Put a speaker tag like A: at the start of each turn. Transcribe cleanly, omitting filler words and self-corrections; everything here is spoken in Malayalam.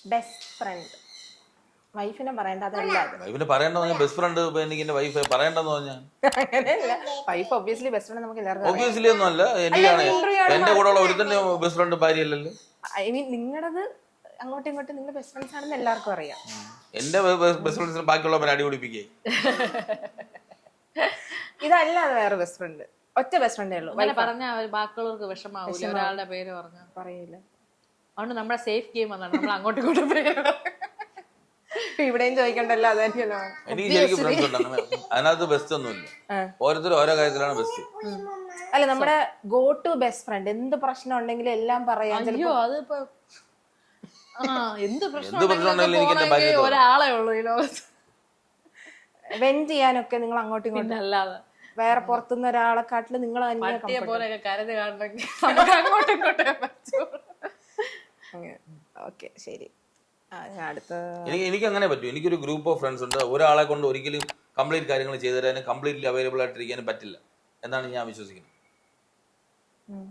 A: ബെസ്റ്റ് ഫ്രണ്ട് വൈഫിനെ പറയണ്ട അതല്ല
B: വൈഫിനെ പറയണ്ടെന്ന് ബെസ്റ്റ് ഫ്രണ്ട് എനിക്ക് എന്റെ വൈഫ് പറയണ്ടെന്ന് പറഞ്ഞാൽ
A: അങ്ങനെയല്ല വൈഫ് ഒബ്വിയസ്ലി ബെസ്റ്റ് ഫ്രണ്ട് നമുക്ക് എല്ലാവർക്കും
B: ഒബ്വിയസ്ലി ഒന്നും അല്ല. എനിക്കാണ് എന്റെ കൂടെ ഉള്ള ഒരുത്തന്നെ ബെസ്റ്റ് ഫ്രണ്ട് ഭാര്യയല്ലല്ലോ.
A: ഐ മീൻ നിങ്ങളത് അങ്ങോട്ടും ഇങ്ങോട്ടും നിങ്ങൾ ബെസ്റ്റ് ഫ്രണ്ട്സ് ആണെന്ന് എല്ലാവർക്കും അറിയാം.
B: എന്റെ ബെസ്റ്റ് ഫ്രണ്ട്സിന് ബാക്കിയുള്ളവരെ അടി പിടിപ്പിക്കേ.
A: ഇതല്ലാതെ വേറെ ബെസ്റ്റ് ഫ്രണ്ട് ഒറ്റ ബെസ്റ്റ് ഫ്രണ്ടേ ഉള്ളൂ.
C: പറഞ്ഞ ബാക്കിയുള്ളവർക്ക് വിഷമാവൂല ഒരാളുടെ പേര് പറഞ്ഞു
A: പറയില്ല.
C: അതുകൊണ്ട് നമ്മുടെ സേഫ് ഗെയിം അതാണ് നമ്മൾ അങ്ങോട്ടും ഇങ്ങോട്ടും പേര്
A: ഇവിടെയും ചോദിക്കണ്ടല്ലോ അത് തന്നെയല്ലോ.
B: എനിക്ക് ശരിക്കും ഫ്രണ്ട്സ് ഉണ്ട് അങ്ങനെ. അതിനകത്ത് ബെസ്റ്റ് ഒന്നുമില്ല. ഓരോരുത്തരും ഓരോ കാര്യത്തിലാണ് ബെസ്റ്റ്.
A: അല്ല നമ്മുടെ ഗോ ടു ബെസ്റ്റ് ഫ്രണ്ട് എന്ത് പ്രശ്നം ഉണ്ടെങ്കിലും എല്ലാം പറയാം.
C: അയ്യോ അതിപ്പോ എന്ത് പ്രശ്നം
A: ഒരാളെ ഉള്ളൂ ഈ ലോകത്ത്. വെന്റ് ചെയ്യാനൊക്കെ നിങ്ങൾ അങ്ങോട്ടും ഇങ്ങോട്ടും
C: അല്ലാതെ
A: വേറെ പുറത്തുനിന്ന് ഒരാളെക്കാട്ടില് നിങ്ങൾ
C: പോലെയൊക്കെ കരുതി കാണണമെങ്കിൽ നമുക്ക് അങ്ങോട്ടും ഇങ്ങോട്ടും
A: ഓക്കെ ശരി. അടുത്ത
B: എനിക്ക് അങ്ങനെ പറ്റും. എനിക്കൊരു ഗ്രൂപ്പ് ഓഫ് ഫ്രണ്ട്സ് ഉണ്ട്. ഒരാളെ കൊണ്ട് ഒരിക്കലും കംപ്ലീറ്റ് കാര്യങ്ങൾ ചെയ്തു തരാനും കംപ്ലീറ്റ്ലി അവൈലബിൾ ആയിട്ടിരിക്കാനും പറ്റില്ല എന്നാണ് ഞാൻ വിശ്വസിക്കുന്നത്.